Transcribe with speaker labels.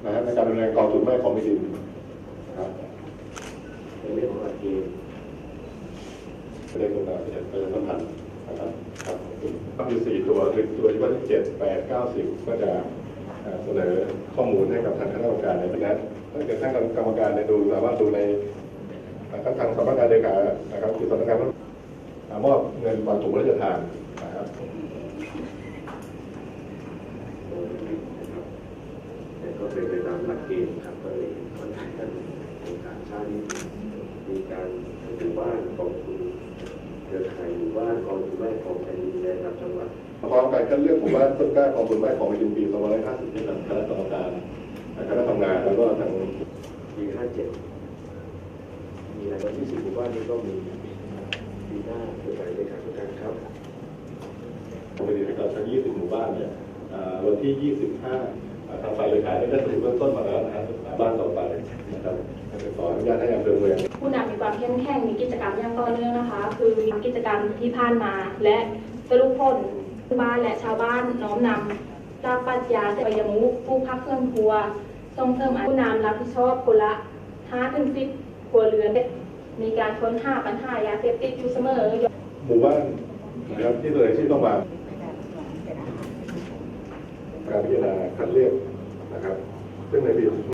Speaker 1: นะฮะในการดำเนินกองทุนแม่ของแผ่นดินนะครับ
Speaker 2: ในเรื่องของหลักเกณฑ์
Speaker 1: ประเด็นต่างๆประเด็นสำคัญนะครับครับอยู่4ตัวคือตัวที่ว่าที่7 8 9 10ก็จะเสนอข้อมูลให้กับทางคณะกรรมการในคณะถ้าเกิดท่านกรรมการดูสามารถดูในทางสำนักงานเลขานะครับคือสำนักงานมอบเงินบางถุงพระราชทานนะครับ
Speaker 2: แต่ก็เป็นไปตามหลักเกณฑ์ครับก็เลยค่อนข้างกันในการช้านี้มีการหมู่บ้านกองทุนเครือข่ายหมู่บ้านกองทุนแม่ของแผ่นดินในระดับจังหวัด
Speaker 1: พร้อมการคัดเลือกหมู่บ้านต้นกล้ากองทุนแม่ของแผ่นดินปี2550ที่ทางคณะกรรมการคณะทำงานแล้วก็ทาง
Speaker 2: ปี57มีรายวันที่10หมู่บ้านนี้ก็มีปีหน้าโดยการเลขาธิการครับ
Speaker 1: ปกติถ้าเกิดทั้ง20หมู่บ้านเนี่ยวันที่25ทางฝ่ายเลขาได้สรุปเบื้องต้นมาแล้วนะครับบ้านต่อไปนะครับขออนุญาตให้อำเภอเมือง
Speaker 3: ผู้นำมีความเข้มแข็งมีกิจกรรมอย่างต่อเนื่องนะคะคือมีกิจกรรมที่ผ่านมาและสรุปผลบ้านและชาวบ้านน้อมนำจากปรัชญาเสยมุขผู้พักเครื่องครัวส่งเสริมผู้นำรับผิดชอบคนละ5-10 ครัวเรือนมีการค้นหาปัญหายาเสพติดอยู่เสมอ
Speaker 1: หมู่บ้านนะครับที่ตัวเองที่ต้องมาการพิจารณาคัดเลือกนะครับซึ่งในปี